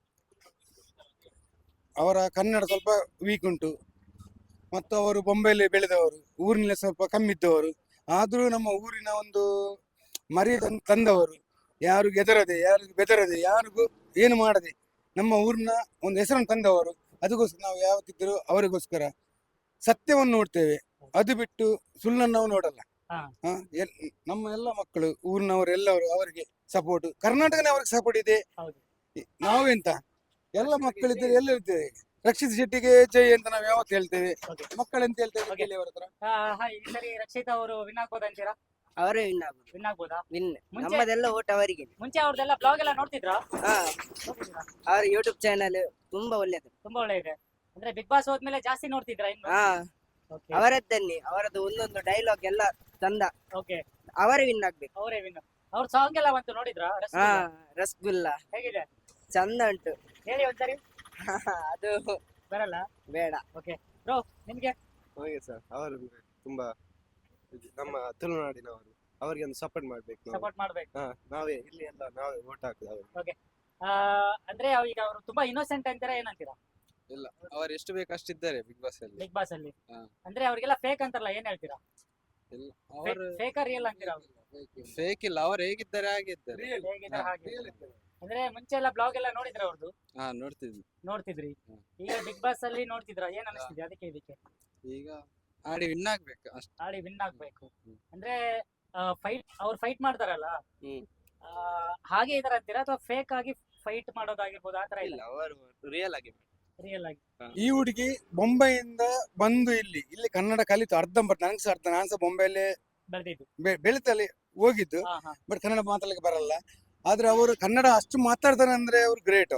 E: ಅವರ ಕನ್ನಡ ಸ್ವಲ್ಪ ವೀಕ್ ಉಂಟು ಮತ್ತು ಅವರು ಬೊಂಬೆಯಲ್ಲಿ ಬೆಳೆದವರು, ಊರಿನಲ್ಲಿ ಸ್ವಲ್ಪ ಕಮ್ಮಿ ಇದ್ದವರು. ಆದ್ರೂ ನಮ್ಮ ಊರಿನ ಒಂದು ಮರಿ ತಂ- ತಂದವರು ಯಾರು ಗೆದರದೆ ಯಾರು ಬೆದರದೆ ಯಾರಿಗೂ ಏನು ಮಾಡದೆ ನಮ್ಮ ಊರಿನ ಒಂದು ಹೆಸರನ್ನು ತಂದವರು. ಅದಕ್ಕೋಸ್ಕರ ನಾವು ಯಾವತ್ತಿದ್ದರೂ ಅವರಿಗೋಸ್ಕರ ಸತ್ಯವನ್ನು ನೋಡ್ತೇವೆ, ಅದು ಬಿಟ್ಟು ಸುಳ್ಳನ್ನು ನಾವು ನೋಡಲ್ಲ.
A: ಹಾ.
E: ಆ, ಎಲ್- ನಮ್ಮ ಎಲ್ಲ ಮಕ್ಕಳು ಊರಿನವರು ಎಲ್ಲವರು ಅವರಿಗೆ ಸಪೋರ್ಟ್, ಕರ್ನಾಟಕನೇ ಅವ್ರಿಗೆ ಸಪೋರ್ಟ್ ಇದೆ.
A: ಹೌದು.
E: ಈ- ನಾವೆಂತ ಎಲ್ಲ ಮಕ್ಕಳಿದ್ದೇವೆ, ಎಲ್ಲ ಇರ್ತೇವೆ. ರಕ್ಷಿತ್ ಶೆಟ್ಟಿಗೆ ಜೈ ಅಂತ ನಾವು ಯಾವತ್ತು ಹೇಳ್ತೇವೆ,
A: Okay.
E: ಮಕ್ಕಳೆಂತ ಹೇಳ್ತೇವೆ.
A: Okay.
E: ಕೇಳಿ ಅವ್ರ ಹತ್ರ.
A: ಆ, ಹಾಯ್, ಈ ಸರಿ ರಕ್ಷಿತಾ ಅವರು ವಿನ್ ಆಗ್ಬೋದು ಅಂತೀರಾ?
F: ಅವರೇ ವಿನ್ ಆಗುದು.
A: ವಿನ್ ಆಗ್ಬೋದಾ?
F: ವಿನ್
A: ಮುಂಚೆ
F: ನಮ್ಮದೆಲ್ಲ ಓಟ್ ಅವರಿಗೆ.
A: ಮುಂಚೆ ಅವ್ರದ್ದೆಲ್ಲ ಬ್ಲಾಗ್ ಎಲ್ಲ ನೋಡ್ತಿದ್ರಾ?
F: ಹಾ,
A: ನೋಡ್ತಿದ್ರಾ?
F: ಅವರ ಯೂಟ್ಯೂಬ್ ಚಾನಲ್ ತುಂಬಾ ಒಳ್ಳೇದು.
A: ತುಂಬಾ ಒಳ್ಳೆ ಇದೆ. ಅಂದ್ರೆ ಬಿಗ್ ಬಾಸ್ ಹೋದ್ಮೇಲೆ ಜಾಸ್ತಿ ನೋಡ್ತಿದ್ರಾ ಇನ್ನು?
F: ಹಾ,
A: ಓಕೆ
F: ಅವರದ್ದನ್ನೇ ಅವರದ್ದು ಒಂದೊಂದು ಡೈಲಾಗ್ ಎಲ್ಲ ಚಂದ.
A: ಓಕೆ,
F: ಅವರೇ ವಿನ್ ಆಗ್ಬೇಕು.
A: ಅವರೇ ವಿನ್. ಅವ್ರ ಸಾಂಗ್ ಎಲ್ಲ ಬಂತು ನೋಡಿದ್ರಾ?
F: ಹಾ,
A: ರಸಗುಲ್ಲ?
F: ರಸಗುಲ್ಲ
A: ಹೇಗಿದೆ
F: ಚಂದ ಉಂಟು.
A: ಹೇಳಿ ಒಂದ್ಸರಿ.
F: ಅದು
A: ಬರಲ್ಲ?
F: ಬೇಡ.
A: ಓಕೆ ಬ್ರೋ, ನಿಮ್ಗೆ?
G: ಹಾಗೆ ಸರ್, ಅವರು ತುಂಬಾ ಇದು ನಮ್ಮ ತುಳುನಾಡಿನವರು, ಅವರಿಗೆ ಒಂದು ಸಪೋರ್ಟ್ ಮಾಡ್ಬೇಕು ನಾವು.
A: ಸಪೋರ್ಟ್ ಮಾಡ್ಬೇಕು.
G: ಹಾ, ನಾವೇ ಇಲ್ಲಿ ಎಲ್ಲ ನಾವೇ ಓಟ್ ಹಾಕುದು ಅವ್ರಿಗೆ.
A: ಆ, ಅಂದ್ರೆ ಅವ್ ಈಗ ಅವರು ತುಂಬಾ ಇನ್ನೋಸೆಂಟ್ ಅಂತೀರಾ ಏನಂತೀರಾ
G: ಇಲ್ಲ, ಅವರು ಎಷ್ಟು ಬೇಕು ಅಷ್ಟಿದ್ದಾರೆ ಬಿಗ್ ಬಾಸ್ ಅಲ್ಲಿ.
A: ಬಿಗ್ ಬಾಸ್ ಅಲ್ಲಿ?
G: ಹಾ.
A: ಅಂದ್ರೆ ಅವ್ರಿಗೆಲ್ಲ ಫೇಕ್ ಅಂತಾರಲ್ಲ, ಏನ್ ಹೇಳ್ತೀರಾ?
G: ಇಲ್ಲ, ಅವರು
A: ಫೇಕ ರಿಯಲ್ ಅಂತೀರಾ?
G: ಫೇಕ್ ಇಲ್ಲ, ಅವರು ಹೇಗಿದ್ದಾರೆ ಹಾಗಿದ್ದಾರೆ.
A: ಹೇಗಿದ್ದಾರೆ
G: ಹಾ.
A: ಹಾಗೆ. ಅಂದ್ರೆ ಮುಂಚೆ ಎಲ್ಲ ಬ್ಲಾಗ್ ಎಲ್ಲ ನೋಡಿದ್ರ ಅವ್ರದ್ದು?
G: ಹಾ, ನೋಡ್ತಿದ್ವಿ.
A: ನೋಡ್ತಿದ್ರಿ?
G: ಹ್ಮ್.
A: ಈಗ ಬಿಗ್ ಬಾಸ್ ಅಲ್ಲಿ ನೋಡ್ತಿದ್ರ, ಏನ್ ಅನಿಸ್ತಿದೆ ಅದಕ್ಕೆ ಇದಕ್ಕೆ?
G: ಈಗ ಆಡಿ ವಿನ್ ಆಗ್ಬೇಕು ಅಷ್ಟೇ.
A: ಆಡಿ ವಿನ್ ಆಗ್ಬೇಕು.
G: ಹ್ಮ್.
A: ಅಂದ್ರೆ ಫೈಟ್ ಅವ್ರು ಫೈಟ್ ಮಾಡ್ತಾರಲ್ಲ,
G: ಹ್ಮ್.
A: ಆ, ಹಾಗೆ ಇದಾರ ಅಂತೀರಾ ಅಥವಾ ಫೇಕ್ ಆಗಿ ಫೈಟ್ ಮಾಡೋದಾಗಿರ್ಬೋದು ಆತರ?
G: ಇಲ್ಲ,
A: ಇಲ್ಲ,
G: ಅವರು ರಿಯಲ್ ಆಗಿ
A: ರಿಯಲ್ ಆಗಿ.
E: ಈ ಹುಡುಗಿ ಬೊಂಬೈಯಿಂದ ಬಂದು ಇಲ್ಲಿ ಇಲ್ಲಿ ಕನ್ನಡ ಕಲಿತು ಅರ್ಧಂಬರ್ಧ, ನನಗೆ ಸಹ ಅರ್ಧ, ನಾನು ಸಹ ಬೊಂಬೈಯಲ್ಲಿ
A: ಬೆಳೆದಿದ್ದು.
E: ಬೆ- ಬೆಳಿತಲ್ಲಿ ಹೋಗಿದ್ದು,
A: ಹಾ ಹಾ.
E: ಬಟ್ ಕನ್ನಡ ಮಾತಾಡ್ಲಿಕ್ಕೆ ಬರಲ್ಲ. ಆದ್ರೆ ಅವರು ಕನ್ನಡ ಅಷ್ಟು ಮಾತಾಡ್ತಾರೆ ಅಂದ್ರೆ ಅವ್ರು ಗ್ರೇಟ್.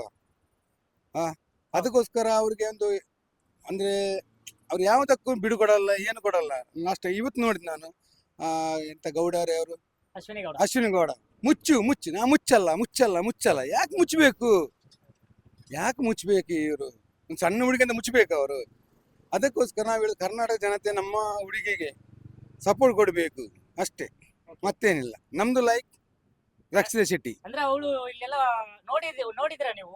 E: ಹಾ, ಅದಕ್ಕೋಸ್ಕರ ಅವ್ರಿಗೆ ಒಂದು ಅಂದ್ರೆ ಅವ್ರು ಯಾವುದಕ್ಕೂ ಬಿಡು ಕೊಡಲ್ಲ, ಏನು ಕೊಡಲ್ಲ. ಲಾಸ್ಟ್ ಇವತ್ತು ನೋಡಿದ್ ನಾನು, ಆ ಎಂತ ಗೌಡರೇ ಅವರು,
A: ಅಶ್ವಿನಿ ಗೌಡ.
E: ಅಶ್ವಿನಿ ಗೌಡ, ಮುಚ್ಚು ಮುಚ್ಚು, ನಾ ಮುಚ್ಚಲ್ಲ ಮುಚ್ಚಲ್ಲ ಮುಚ್ಚಲ್ಲ, ಯಾಕೆ ಮುಚ್ಚಬೇಕು, ಯಾಕೆ ಮುಚ್ಚಬೇಕು ಇವರು, ಒಂದು ಸಣ್ಣ ಹುಡುಗಿ ಅಂತ ಮುಚ್ಚಬೇಕು ಅವರು. ಅದಕ್ಕೋಸ್ಕರ ನಾವು ಹೇಳುದು ಕರ್ನಾಟಕ ಜನತೆ ನಮ್ಮ ಹುಡುಗಿಗೆ ಸಪೋರ್ಟ್ ಕೊಡಬೇಕು ಅಷ್ಟೇ, ಮತ್ತೇನಿಲ್ಲ. ನಮ್ದು ಲೈಕ್ ರಕ್ಷಿತಾ ಶೆಟ್ಟಿ.
A: ಅಂದ್ರೆ ಅವಳು ಇಲ್ಲೆಲ್ಲ ನೋಡಿದ್ ನೋಡಿದ್ರ ನೀವು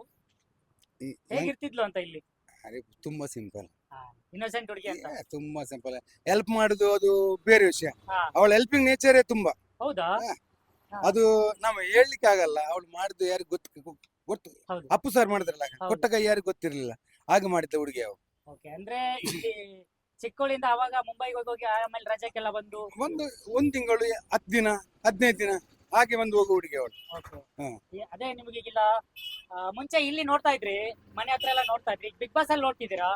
E: ಈ-
A: ಹೇಗಿರ್ತಿದ್ಲು ಅಂತ ಇಲ್ಲಿ?
E: ಅರೆ, ತುಂಬಾ ಸಿಂಪಲ್,
A: ಇನ್ನೋಸೆಂಟ್ ಹುಡುಗಿ ಅಂತ.
E: ತುಂಬಾ ಸಿಂಪಲ್. ಹೆಲ್ಪ್ ಮಾಡುದು ಅದು ಬೇರೆ ವಿಷಯ,
A: ಹಾ.
E: ಅವಳ ಹೆಲ್ಪಿಂಗ್ ನೇಚರೇ ತುಂಬಾ.
A: ಹೌದಾ?
E: ಹಾ.
A: ಹಾ.
E: ಅದು ನಾವು ಹೇಳ್ಲಿಕ್ಕೆ ಆಗಲ್ಲ. ಅವಳು ಮಾಡಿದ್ದು ಯಾರಿಗೂ ಗೊತ್ತು ಗೊತ್ತು
A: ಹೌದು.
E: ಅಪ್ಪು ಸರ್ ಮಾಡಿದ್ರಲ್ಲ,
A: ಹೌದು.
E: ಕೊಟ್ಟ ಕೈ ಯಾರಿಗೂ ಗೊತ್ತಿರ್ಲಿಲ್ಲ, ಹಾಗೆ ಮಾಡಿದ್ದ ಹುಡುಗಿ ಅವಳು.
A: ಓಕೆ, ಅಂದ್ರೆ ಇಲ್ಲಿ ಚಿಕ್ಕೋಳಿಂದ ಅವಾಗ ಮುಂಬೈಗೆ ಹೋಗಿ ಹೋಗಿ ಆಮೇಲೆ ರಜಕ್ಕೆಲ್ಲ ಬಂದು.
E: ಒಂದು ಒಂದ್ ತಿಂಗಳು, ಹತ್ತು ದಿನ, ಹದಿನೈದು ದಿನ ಹಾಗೆ ಬಂದು ಹೋಗೋ ಹುಡುಗಿ ಅವಳು.
A: ಓಕೆ.
E: ಹ್ಮ್.
A: ಈ- ಅದೇ ನಿಮ್ಗೆ ಈಗಿಲ್ಲ, ಆ, ಮುಂಚೆ ಇಲ್ಲಿ ನೋಡ್ತಾ ಇದ್ರಿ, ಮನೆ ಹತ್ರ ಎಲ್ಲ ನೋಡ್ತಾ ಇದ್ರಿ, ಬಿಗ್ ಬಾಸ್ ಅಲ್ಲಿ ನೋಡ್ತಿದ್ದೀರಾ,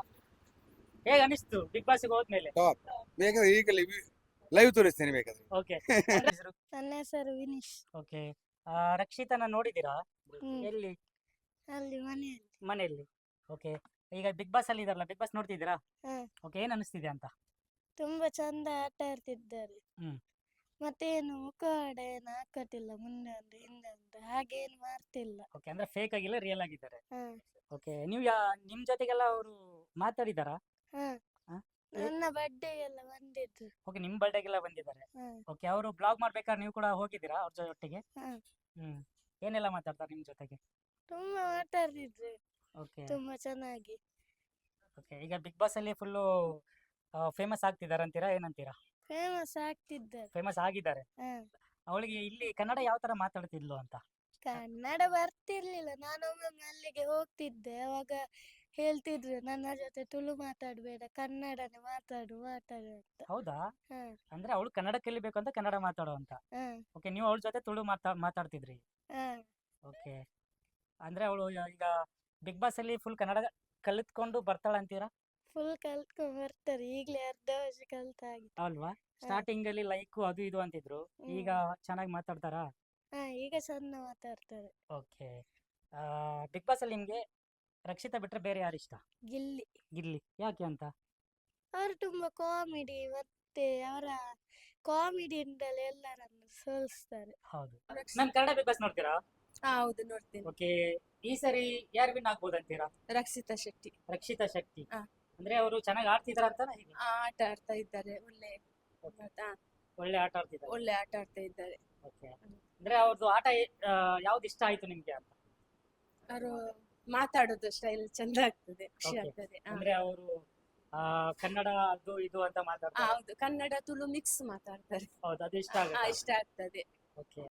A: ಹೇಗ್ ಅನಿಸ್ತು ಬಿಗ್ ಬಾಸ್ ಹೋದ್ಮೇಲೆ?
E: ಬೇಕಾದ್ರೆ ಈಗಲೇ ಲೈವ್ ತೋರಿಸ್ತೇನೆ ಬೇಕಾದ್ರೆ.
A: ಓಕೆ.
H: ನನ್ನ ಹೆಸರು ವಿನೀಶ್.
A: ಓಕೆ, ರಕ್ಷಿತನ ನೋಡಿದ್ದೀರಾ?
H: ಹ್ಮ್.
A: ಎಲ್ಲಿ?
H: ಅಲ್ಲಿ ಮನೆಯಲ್ಲಿ.
A: ಮನೆಯಲ್ಲಿ. ಓಕೆ, ಈಗ ಬಿಗ್ ಬಾಸ್ ಅಲ್ಲಿ ಇದಾರಲ್ಲ, ಬಿಗ್ ಬಾಸ್ ನೋಡ್ತಿದ್ದೀರಾ?
H: ಹಾ.
A: ಓಕೆ, ಏನ್ ಅನಿಸ್ತಿದೆ ಅಂತ?
H: ತುಂಬಾ ಚಂದ ಆಟ ಆಡ್ತಿದ್ದಾರೆ.
A: ಹ್ಮ್.
H: ಮತ್ತೇನು ಮುಖವಾಡ ಏನು ಹಾಕಟ್ಟಿಲ್ಲ, ಮುಂದೆ ಒಂದು ಹಿಂದೆ ಒಂದು ಹಾಗೇನು ಮಾಡ್ತಿಲ್ಲ.
A: ಓಕೆ, ಅಂದ್ರೆ ಫೇಕ್ ಆಗಿಲ್ಲ, ರಿಯಲ್ ಆಗಿದ್ದಾರೆ.
H: ಹಾ
A: ಓಕೆ, ನೀವು ಯಾ ನಿಮ್ ಜೊತೆಗೆಲ್ಲ ಅವರು ಮಾತಾಡಿದಾರಾ?
H: ಹಾ
A: ಹಾ?
H: ನನ್ನ ಬರ್ಡೇಗೆಲ್ಲ ಬಂದಿದ್ರು.
A: ಓಕೆ, ನಿಮ್ ಬರ್ಡೇಗೆಲ್ಲ ಬಂದಿದ್ದಾರೆ.
H: ಹಾ
A: ಓಕೆ, ಅವರು ಬ್ಲಾಗ್ ಮಾಡ್ಬೇಕಾದ್ರೆ ನೀವು ಕೂಡ ಹೋಗಿದ್ದೀರಾ ಅವ್ರ ಜೊತೆಗೆ?
H: ಹಾ
A: ಹ್ಮ್. ಏನೆಲ್ಲ ಮಾತಾಡ್ತಾರೆ ನಿಮ್ ಜೊತೆಗೆ?
H: ತುಂಬಾ ಮಾತಾಡ್ತಿದ್ರು,
A: ಓಕೆ.
H: ತುಂಬಾ ಚೆನ್ನಾಗಿ.
A: ಓಕೆ, ಈಗ ಬಿಗ್ ಬಾಸ್ ಅಲ್ಲಿ ಫುಲ್ಲು ಫೇಮಸ್ ಆಗ್ತಿದ್ದಾರೆ ಅಂತೀರಾ, ಏನಂತೀರಾ?
H: ಫೇಮಸ್ ಆಗ್ತಿದ್ದಾರೆ.
A: ಫೇಮಸ್ ಆಗಿದ್ದಾರೆ.
H: ಹಾ
A: ಅವಳಿಗೆ ಇಲ್ಲಿ ಕನ್ನಡ ಯಾವ ತರ ಮಾತಾಡ್ತಿದ್ಲು ಅಂತ?
H: ಕನ್ನಡ ಬರ್ತಿರ್ಲಿಲ್ಲ. ನಾನೊಮ್ಮೊಮ್ಮೆ ಅಲ್ಲಿಗೆ ಹೋಗ್ತಿದ್ದೆ, ಅವಾಗ ಹೇಳ್ತಿದ್ರು ನನ್ನ ಜೊತೆ ತುಳು ಮಾತಾಡ್ಬೇಡ, ಕನ್ನಡನೇ ಮಾತಾಡು ಮಾತಾಡು ಅಂತ.
A: ಹೌದಾ?
H: ಹಾ
A: ಅಂದ್ರೆ ಅವಳು ಕನ್ನಡ ಕಲಿಬೇಕು ಅಂತ ಕನ್ನಡ ಮಾತಾಡೋ ಅಂತ.
H: ಹಾ
A: ಓಕೆ, ನೀವು ಅವಳ ಜೊತೆ ತುಳು ಮಾತಾ ಮಾತಾಡ್ತಿದ್ರಿ.
H: ಹಾ
A: ಓಕೆ, ಅಂದ್ರೆ ಅವಳು ಈಗ ಬಿಗ್ ಬಾಸ್ ಅಲ್ಲಿ ಫುಲ್ ಕನ್ನಡ ಕಲಿತ್ಕೊಂಡು ಬರ್ತಾಳ ಅಂತೀರಾ?
H: ಫುಲ್ ಕಲ್ತ್ಕೊಂಡ್ ಬರ್ತಾರೆ, ಈಗ್ಲೇ ಅರ್ಧ ವರ್ಷ ಕಲ್ತಾಗಿದೆ.
A: ಅಲ್ವಾ? ಸ್ಟಾರ್ಟಿಂಗ್ ಅಲ್ಲಿ ಲೈಕ್ ಅದು ಇದು ಅಂತಿದ್ರು, ಈಗ ಚೆನ್ನಾಗಿ ಮಾತಾಡ್ತಾರಾ?
H: ಹಾ ಈಗ ಚಂದ ಮಾತಾಡ್ತಾರೆ.
A: ಓಕೆ, ಬಿಗ್ ಬಾಸ್ ಅಲ್ಲಿ ನಿಮ್ಗೆ ರಕ್ಷಿತಾ ಬಿಟ್ರೆ ಬೇರೆ ಯಾರು ಇಷ್ಟ?
H: ಗಿಲ್ಲಿ
A: ಗಿಲ್ಲಿ, ಯಾಕೆ ಅಂತ?
H: ಅವರು ತುಂಬಾ ಕಾಮಿಡಿ, ಮತ್ತೆ ಅವರ ಕಾಮಿಡಿಯಿಂದಲೇ ಎಲ್ಲರನ್ನು ಸೋಲಿಸ್ತಾರೆ.
A: ಹೌದು. ಮ್ಯಾಮ್, ಕನ್ನಡ ಬಿಗ್ ಬಾಸ್ ನೋಡ್ತೀರಾ?
I: ಹೌದು, ನೋಡ್ತೀನಿ.
A: ಓಕೆ, ಈ ಸರಿ ಯಾರು ವಿನ್ ಆಗ್ಬೋದು ಅಂತೀರಾ?
I: ರಕ್ಷಿತಾ ಶೆಟ್ಟಿ
A: ರಕ್ಷಿತಾ ಶೆಟ್ಟಿ.
I: ಹಾ.
A: ಅಂದ್ರೆ ಅವರು ಚೆನ್ನಾಗಿ ಆಡ್ತಿದಾರ ಅಂತ?
I: ಆ, ಆಟ ಆಡ್ತಾ ಇದ್ದಾರೆ, ಒಳ್ಳೆ ಗೊತ್ತಾ?
A: ಒಳ್ಳೆ ಆಟ ಆಡ್ತಿದ್ದಾರೆ.
I: ಒಳ್ಳೆ ಆಟ ಆಡ್ತಾ ಇದ್ದಾರೆ.
A: ಓಕೆ, ಅಂದ್ರೆ ಅವ್ರದ್ದು ಆಟ ಆ, ಯಾವ್ದು ಇಷ್ಟ ಆಯ್ತು ನಿಮ್ಗೆ ಅಂತ?
I: ಅವರು ಮಾತಾಡೋದು ಸ್ಟೈಲ್ ಚಂದ ಆಗ್ತದೆ, ಖುಷಿ
A: Okay.
I: ಆಗ್ತದೆ. ಆ,
A: ಅಂದ್ರೆ ಅವರು ಆ, ಕನ್ನಡ ಅದು ಇದು ಅಂತ
I: ಆ,
A: ಮಾತಾಡ್ತಾರೆ.
I: ಹೌದು ಕನ್ನಡ ತುಳು ಮಿಕ್ಸ್ ಮಾತಾಡ್ತಾರೆ
A: ಹೌದು, ಅದು ಇಷ್ಟ
I: ಆ,
A: ಆಗುತ್ತೆ.
I: ಇಷ್ಟ ಆಗ್ತದೆ.
A: ಓಕೆ.